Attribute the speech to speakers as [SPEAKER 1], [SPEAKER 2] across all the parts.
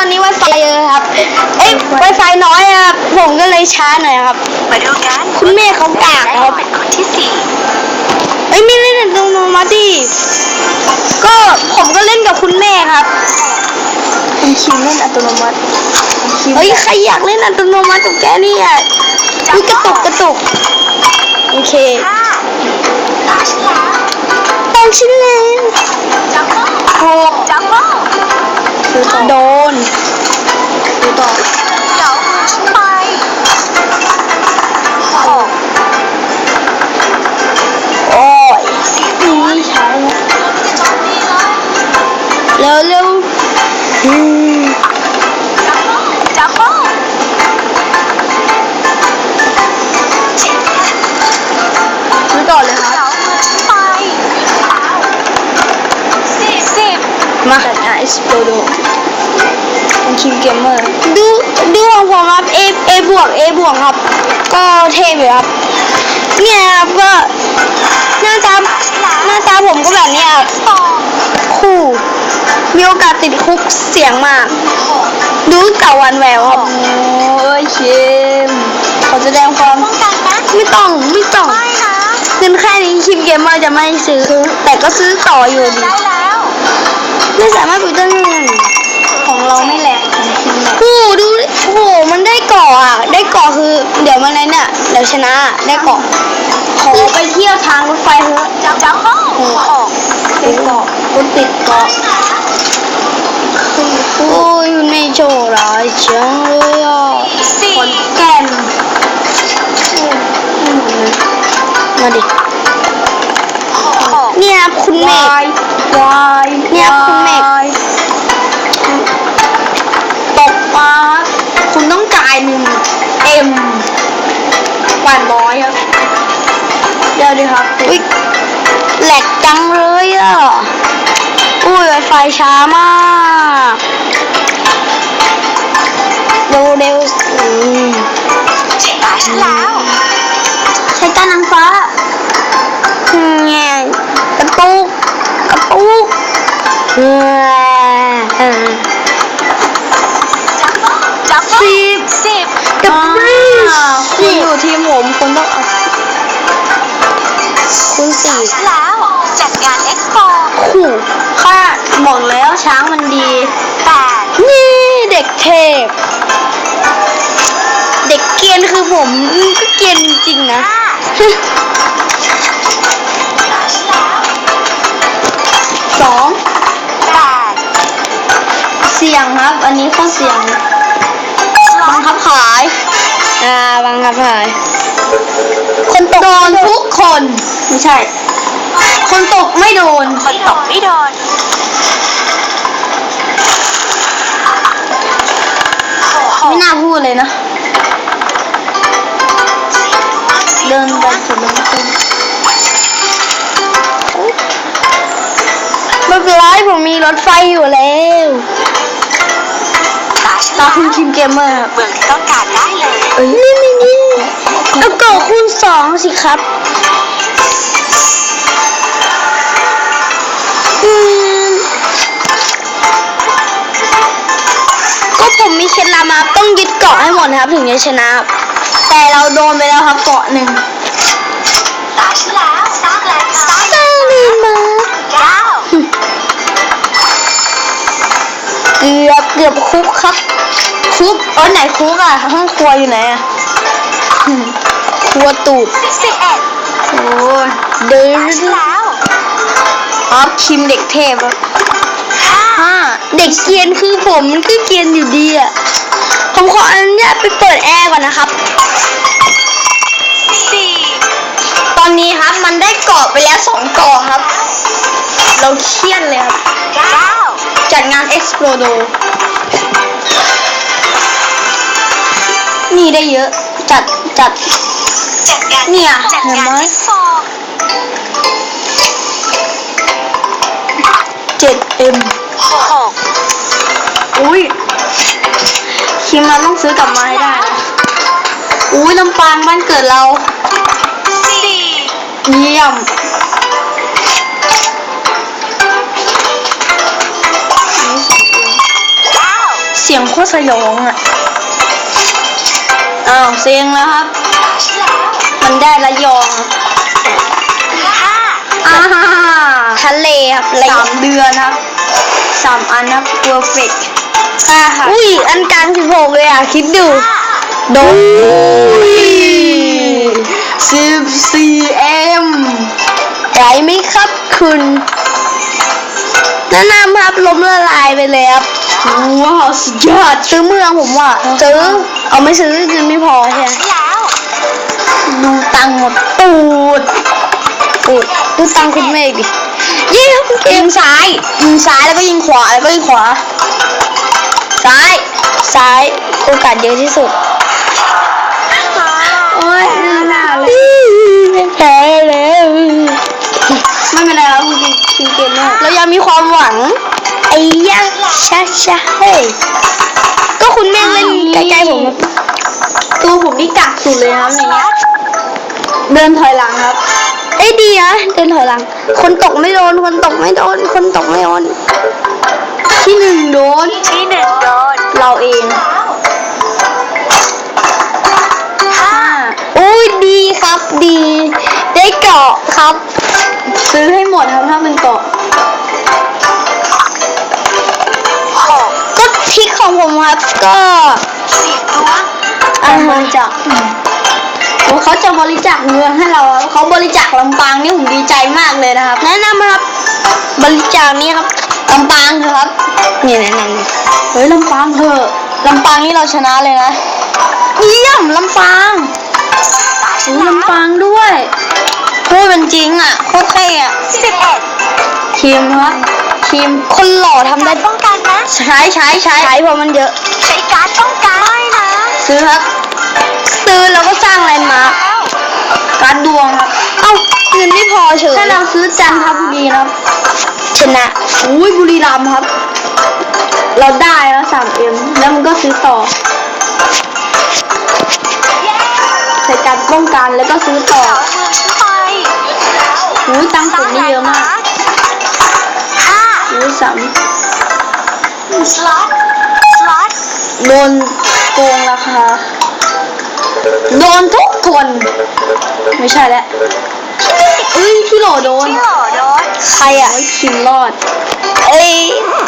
[SPEAKER 1] อนนี้ Wi-Fi เยอะครับWi-Fi น้อยครับผมก็เลยช้าหน่อยครับ
[SPEAKER 2] มาดูกัน
[SPEAKER 1] คุณแม่เขากากครับ
[SPEAKER 2] เป็นคนที่สี่
[SPEAKER 1] ไม่เล่นอัตโนมัติดิก็ผมก็เล่นกับคุณแม่ครับ
[SPEAKER 3] คุณคิวเล่นอัตโนมัติ
[SPEAKER 1] ใครอยากเล่นอัตโนมัติกับแกเนี่ยกระตุกโอเค
[SPEAKER 2] ห้าตาฉันแล้ว
[SPEAKER 1] ตอนชิ้นเล่น
[SPEAKER 2] จัมโบ้
[SPEAKER 1] หก
[SPEAKER 2] จัมโบ้
[SPEAKER 1] โดน
[SPEAKER 3] ดูต่อ
[SPEAKER 2] เดี๋ยวมือฉันไปหก
[SPEAKER 1] โอ้ย
[SPEAKER 3] นี่ใช้
[SPEAKER 1] เร็ว
[SPEAKER 2] จัมโบ้เจ็ด
[SPEAKER 1] ดูต่อเลยครับ
[SPEAKER 2] เดี๋ยวมือฉันไปสิบ
[SPEAKER 1] มา
[SPEAKER 3] จัดงานเอ็กซ์โปโดคุณคิวเกมเมอร์
[SPEAKER 1] ดูของผมครับ A บวกครับ ก็เท่อยู่ครับเนี่ยครับก็หน้าตาผมก็แบบนี้ครับ
[SPEAKER 2] สอง
[SPEAKER 1] คู่มีโอกาสติดคุกเสี่ยงมาก ดูเต่าวันแววครับ
[SPEAKER 3] โอ้ยเข้มขอแสดงความ
[SPEAKER 2] ป้องกันนะ
[SPEAKER 1] ไม่ต้อง
[SPEAKER 2] ไม่นะ
[SPEAKER 1] เงินแค่นี้คิมเกมเมอร์จะไม่ซื้อ แต่ก็ซื้อต่ออยู่ดี
[SPEAKER 2] ได้แล้ว
[SPEAKER 1] ไม่สามารถไปได้เงิน
[SPEAKER 3] ของเราไม่แหลกของคิวแหลก
[SPEAKER 1] โอ้ดูดิโอ้โหมันได้เกาะอ่ะได้เกาะคือเดี๋ยวมันไหนเนี่ยเดี๋ยวชนะได้เกาะ
[SPEAKER 3] ขอไปเที่ยวทางรถไฟเถอะ
[SPEAKER 2] จัมโบ้หก
[SPEAKER 3] ไปเกาะรถติดเกาะ
[SPEAKER 1] โอ้ยในโจร้ายจังเลยอ่ะ
[SPEAKER 2] สี่
[SPEAKER 3] ขอนแก่น
[SPEAKER 1] มาดิ
[SPEAKER 2] หก
[SPEAKER 1] เนี่ยครับคุณเม
[SPEAKER 3] วา
[SPEAKER 1] ฆ
[SPEAKER 3] ยวาย
[SPEAKER 1] เนี่ยคุณเมฆ
[SPEAKER 3] วายตกปลาคุณต้องจ่าย1M กว่าน้อยครับเดี๋ยวดิครับ
[SPEAKER 1] อุ๊ยแหลกจังเลยอ่ะอุ้ยไวไฟช้ามากเร็ว
[SPEAKER 2] ตาฉันแล้ว
[SPEAKER 1] ใช้การนางฟ้าแง่กระตุก
[SPEAKER 2] จัมโบ้สิบ
[SPEAKER 1] กับ
[SPEAKER 3] คุณอยู่ทีมผมคุณต้องเอา
[SPEAKER 1] คุณสี่
[SPEAKER 2] ฉันแล้วจัดงานเอ็กซ์โป
[SPEAKER 1] ขู่
[SPEAKER 3] ค่าบอกแล้วช้างมันดี
[SPEAKER 2] แปด
[SPEAKER 1] นี่เด็กเทพเด็กเกรียนคือผมก็เกรียนจริงๆนะ
[SPEAKER 2] ห้าตาฉันแล้ว
[SPEAKER 3] 2
[SPEAKER 2] แปด
[SPEAKER 3] เสี่ยงครับ อันนี้ข้อเสี่ยง
[SPEAKER 1] บังคับขายบังคับขายคนตก
[SPEAKER 3] โดนทุกคน ไม่ใช่ คนตกไม่โดน
[SPEAKER 2] คนตกไม่โดนห
[SPEAKER 3] ไม่
[SPEAKER 2] ก
[SPEAKER 3] น่าพูดเลยนะ เดินไปสุดลงทุน
[SPEAKER 1] ไม่เป็นไรผมมีรถไฟอยู่แล้ว
[SPEAKER 2] ตาฉัน
[SPEAKER 3] ตา
[SPEAKER 2] แล้ว
[SPEAKER 3] คุณคิมเกมเมอร์ครับ
[SPEAKER 2] เมืองที่ต้องการได้เลย
[SPEAKER 1] นี่เอาเกาะคูณ2สิครับก็ผมมีเคล็ดลับมาต้องยึดเกาะให้หมดนะครับถึงจะชนะ
[SPEAKER 3] แต่เราโดนไปแล้วครับเกาะหนึ่ง
[SPEAKER 2] ตาฉันแล้วสร้างแลนด์มาร์ค
[SPEAKER 1] สร้างเลยมา
[SPEAKER 2] เก้า
[SPEAKER 1] เกือบคุกครับ
[SPEAKER 3] คุกไหนคุกอ่ะห้องครัวอยู่ไหนอ่ะ
[SPEAKER 1] ครัวตูด
[SPEAKER 2] 11
[SPEAKER 3] โอ้ย
[SPEAKER 1] เดิน
[SPEAKER 2] ตาฉันแล้ว
[SPEAKER 3] อ๋อคิมเด็กเทพครับ
[SPEAKER 1] เด็กเกรียนคือผมมันก็เกรียนอยู่ดีอ่ะผมขออนุญาตไปเปิดแอร์ก่อนนะครับ
[SPEAKER 2] 4
[SPEAKER 1] ตอนนี้ครับมันได้เกาะไปแล้ว2เกาะครับ เราเครียดเลยครับ
[SPEAKER 2] 9
[SPEAKER 1] จัดงาน Explodo นี่ได้เยอะ จัด
[SPEAKER 2] จัดงาน
[SPEAKER 1] เนี่ย
[SPEAKER 2] จัด
[SPEAKER 1] เห็น
[SPEAKER 2] งาน
[SPEAKER 1] ไหม
[SPEAKER 2] เอ็กซ์โป
[SPEAKER 3] 7M
[SPEAKER 2] 6
[SPEAKER 3] อุ้ยคิมเราต้องซื้อกลับมาให้ได้นะอุ้ยลำปางบ้านเกิดเรา
[SPEAKER 2] 4
[SPEAKER 3] เยี่ยมสียงโคตรสยองอ่ะอ้าวเสียงแล้วครับ
[SPEAKER 2] ตาฉันแล้ว
[SPEAKER 3] มันได้ระยอง
[SPEAKER 2] ห้า
[SPEAKER 3] อ่า
[SPEAKER 1] ทะเลครับอะไร
[SPEAKER 3] 3 เดือนครับ3 อันครับ perfect
[SPEAKER 1] อุ้ยอันกลาง16เลยอ่ะคิดดู
[SPEAKER 2] ห้า
[SPEAKER 1] โดน
[SPEAKER 3] 14M
[SPEAKER 1] ไหวไหมครับคุณแนะนำครับล้มละลายไปเลยครับ
[SPEAKER 3] ว้าวสุดยอด
[SPEAKER 1] ซื้อเมืองผมว่าซื้อเอาไม่ซื้อเงินไม่พอใช่ไหม
[SPEAKER 2] ฉันแล้ว
[SPEAKER 3] ดูตังค์หมดตูด
[SPEAKER 1] อุ้ยดูตังค์คุณเมฆดิเยี่ยมเก
[SPEAKER 3] ยิ
[SPEAKER 1] ม
[SPEAKER 3] งซ้ายแล้วก็ยิงขวาแล้วก็ยิงขวาซ้าย
[SPEAKER 1] ซ้ายโอกาสเยอะที่สุด
[SPEAKER 3] โอ้ยน่าเลย
[SPEAKER 1] ไม่แพ้แล้ว
[SPEAKER 3] ไม่เป็นไรครับคุณคิงเกมเนอร์
[SPEAKER 1] เรายังมีความหวังไอ้ยะชาเฮ้ยก็คุณเมฆเล่นใกล้ๆผมครับ
[SPEAKER 3] ตัวผมนี่กักสุดเลยนะครับในเนี้ยเดินถอยหลังครับ
[SPEAKER 1] เอ้ยดีนะเดินถอยหลัง คนตกไม่โดนคนตกไม่โดนคนตกไม่โดน
[SPEAKER 3] ที่1โดน
[SPEAKER 2] ที่หนึ่งโดน
[SPEAKER 3] เราเอง
[SPEAKER 2] ห้า
[SPEAKER 1] อุ้ยดีครับดี ได้เกาะครับ
[SPEAKER 3] ซื้อให้หมดครับถ้ามันเกาะ
[SPEAKER 2] หก
[SPEAKER 1] ก็ทริกของผมครับก็
[SPEAKER 2] 10ล้วง
[SPEAKER 3] การบริจาคโอ้เขาจะบริจาคเงินให้เราครับเขาบริจาคลำปางนี่ผมดีใจมากเลยนะครับ
[SPEAKER 1] แนะนำครับ บริจาคนี้ครับ
[SPEAKER 3] ลำปางเถอะครับ
[SPEAKER 1] นี่แนะนำดิ
[SPEAKER 3] เฮ้ยลำปางเถอะลำปางนี่เราชนะเลยนะเยี่ยมลำปาง
[SPEAKER 2] ตาฉั
[SPEAKER 3] โอ้
[SPEAKER 2] นแล้ว
[SPEAKER 3] ลำปางด้วยพูดเป็นจริงอ่ะโคตรเท่อะ
[SPEAKER 2] 11
[SPEAKER 3] ทีมครับทีม
[SPEAKER 1] คนหล่อทำได้
[SPEAKER 2] ป้องกันนะ
[SPEAKER 3] ใช้
[SPEAKER 1] ใช้เพราะมันเยอะ
[SPEAKER 2] ใช้การ์ดป้องกันไม่นะ
[SPEAKER 3] ซื้อครับ
[SPEAKER 1] ซื้อแล้วก็สร้างแลนด์มาร์ค
[SPEAKER 2] แล้ว
[SPEAKER 3] การดดวงครับ
[SPEAKER 1] เอ้าเงินไม่พอเฉย
[SPEAKER 3] ถ้าเราซื้อจันทบุรีนะครับ
[SPEAKER 1] ชนะ
[SPEAKER 3] อุ้ยบุรีรัมย์ครับ เราได้แล้ว 3M แล้วมันก็ซื้อต่อ
[SPEAKER 2] เย้
[SPEAKER 3] ใส่การป้องกันแล้วก็ซื้อต่อ
[SPEAKER 2] เอามือฉันไป
[SPEAKER 3] อุ้ยตังค์ผมนี่เยอะมาก
[SPEAKER 2] ห้า
[SPEAKER 3] อุ้ยสาม
[SPEAKER 2] สล็อต
[SPEAKER 3] โดนโกงราคา โดนทุกคน ไม่ใช่แล้วเอ้ยพี่โหลโดน
[SPEAKER 2] ที่โหลโดน
[SPEAKER 1] ใครอ่ะ
[SPEAKER 3] โอ้ยคิมรอด
[SPEAKER 1] เอ้ย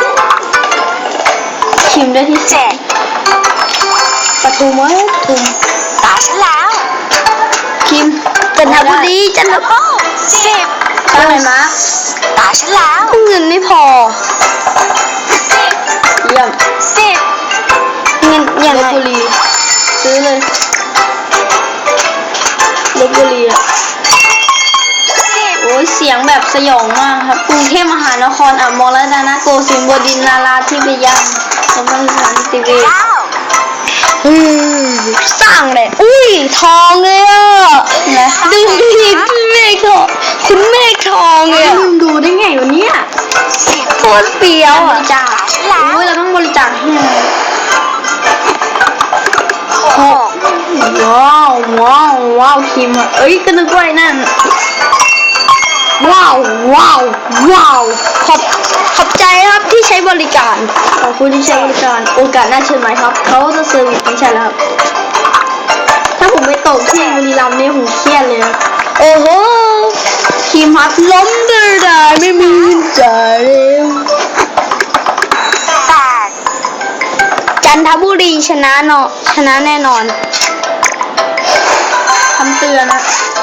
[SPEAKER 3] คิมได้ที่
[SPEAKER 2] 7
[SPEAKER 3] ปทุมเว้ยปทุม
[SPEAKER 2] ตาฉันแล้ว
[SPEAKER 3] คิม
[SPEAKER 1] จันทบุรีจันทบุรี
[SPEAKER 2] โอ้10
[SPEAKER 3] ใช่ไหมมาร์ค
[SPEAKER 2] ตาฉันแล้ว
[SPEAKER 1] เงินไม่พอ
[SPEAKER 3] เยี่ยม
[SPEAKER 2] 10
[SPEAKER 1] เงินยัง
[SPEAKER 3] ล
[SPEAKER 1] ไง
[SPEAKER 3] บบุรีซื้อเลยลบบุรีอ่ะ
[SPEAKER 2] 10
[SPEAKER 3] โอ้ยเสียงแบบสยองมากครับกรุงเทพมหานครอ่ะมรดาโกสินทร์บดินทร์นาราธิบดีสมบัติสารติเวช
[SPEAKER 2] 9
[SPEAKER 1] อืมสร้างเลยอุ้ยทองเลยอ่ะ
[SPEAKER 3] นะ
[SPEAKER 1] ดูดิคุณเมฆทองคุณเมฆทองเลยอะ
[SPEAKER 3] ลืมดูได้ไงวะเนี่ย
[SPEAKER 1] โคตรเปียว
[SPEAKER 3] บ
[SPEAKER 1] อ่ะ
[SPEAKER 3] ริจาคโอ้ยเราต้องบริจาคให้ไง
[SPEAKER 2] 6
[SPEAKER 3] ว้าวคิมอ่ะเอ้ยก็นึกว่าไอ้นั่นว้าว
[SPEAKER 1] ขอบใจครับที่ใช้บริการ
[SPEAKER 3] ขอบคุณที่ใช้บริการโอกาสหน้าเชิญไหมครับเขาจะเซอร์วิสไม่ใช่แล้วครับถ้าผมไปตกที่บุรีรัมย์นี่ผมเครียดเลยนะ
[SPEAKER 1] โอ้โห
[SPEAKER 3] คิมครับ
[SPEAKER 1] ล้มได้ไม่มีใจาย
[SPEAKER 2] 8
[SPEAKER 1] จันทบุรีชนะเนาะชนะแน่นอน
[SPEAKER 3] คำเตือนนะ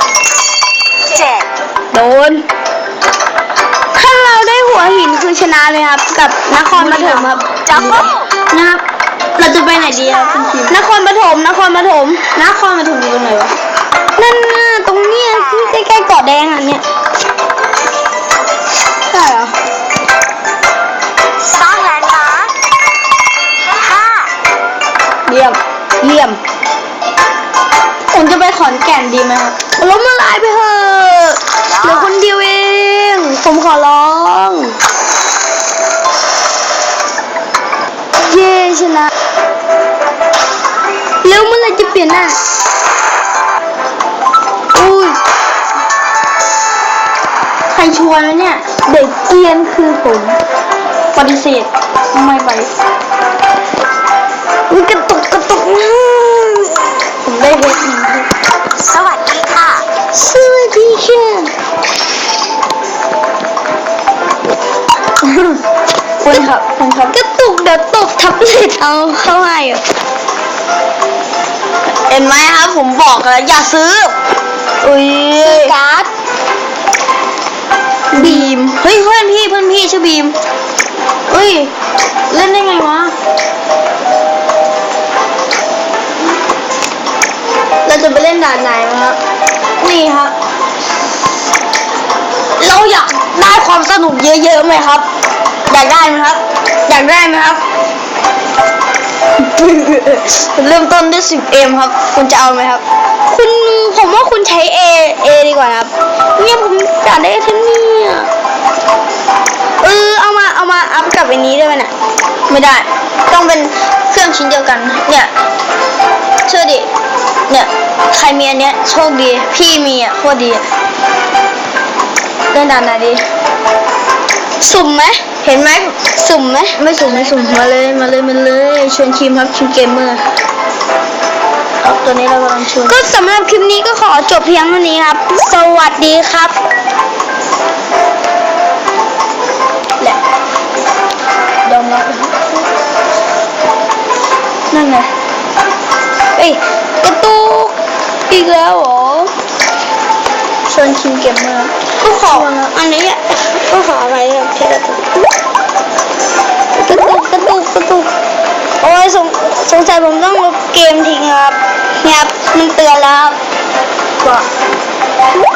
[SPEAKER 2] 7
[SPEAKER 1] โดน ถ้าเราได้หัวหินคือชนะเลยครับ กับนครปฐมครับ
[SPEAKER 2] ดับเบิ้ล
[SPEAKER 3] นะครับ เราจะไปไหนดีครับคุณคิม
[SPEAKER 1] นครปฐม
[SPEAKER 3] นครปฐมอยู่ตรงไหนวะ
[SPEAKER 1] นั่นน่ะตรงเนี้ยที่ใกล้ๆเกาะแดงอ่ะเนี่ย
[SPEAKER 3] ใช่เหรอ
[SPEAKER 2] สร้างแลนด์มาร์ค5
[SPEAKER 3] เยี่ยม
[SPEAKER 1] เยี่ยม
[SPEAKER 3] ผมจะไปขอนแก่นดีไหมครับ
[SPEAKER 1] ล้มละลายไปเถอะเหลือคนเดียวเอง ผมขอร้อง เย้ชนะแล้วเมื่อไหรจะเปลี่ยนหน้าอุ้ย
[SPEAKER 3] ใครชวนวะเนี่ย
[SPEAKER 1] เด็กเกรียนคือผม
[SPEAKER 3] ปฏิเสธไม่ไป
[SPEAKER 1] เพชร
[SPEAKER 2] สวัสดีค่ะ
[SPEAKER 1] สวัสดีค่ะคุณครับกระตุกเดี๋ยวตกทับเศษเอาเข้าให้อ่ะ
[SPEAKER 3] เห็นไหมครับผมบอกแล้วอย่าซื้อ
[SPEAKER 1] อุ้ย
[SPEAKER 2] การ์ด
[SPEAKER 3] บีมเฮ้ยเพื่อนพี่ชื่อบีมเฮ้ยเล่นได้ไงวะเราจะไปเล่นด่านไหนวะครับนี่ครับเราอยากได้ความสนุกเยอะๆไหมครับอยากได้ไหมครับอยากได้ไหมครับ เริ่มต้นด้วย 10M ครับคุณจะเอาไหมครับ
[SPEAKER 1] ผมว่าคุณใช้ A ดีกว่าครับเนี่ยผมอยากได้แค่นี้อ่ะเอามาอัพกับอันนี้ได้ไหมน่ะ
[SPEAKER 3] ไม่ได้ ต้องเป็นเครื่องชิ้นเดียวกัน เนี่ยเชื่อดิ เนี่ยใครมีอันเนี้ยโชคดี พี่มีอ่ะโคตรดีอะเล่นด่านไหนดี
[SPEAKER 1] สุ่มไหม
[SPEAKER 3] เห็นไหม
[SPEAKER 1] สุ่มไหม
[SPEAKER 3] ไม่สุ่มมาเลยชวนคิมครับคิมเกมเมอร์ครับตัวนี้เรากำลังชวน
[SPEAKER 1] ก็สำหรับคลิปนี้ก็ขอจบเพียงเท่านี้ครับ สวัสดีครับ
[SPEAKER 3] แหละยอมรับนะครับนั่นไง
[SPEAKER 1] เอ้ยกระตุกอีกแล้วเหรอ
[SPEAKER 3] ชวนคิมเกมเมอร์
[SPEAKER 1] ก็ขออันนี้อ่ะก็ขออะไรครับแค่กระตุกโอ้ยสงสัยผมต้องลบเกมทิ้งครับเนี่ยครับมันเตือนแล้วครับ
[SPEAKER 3] ว่า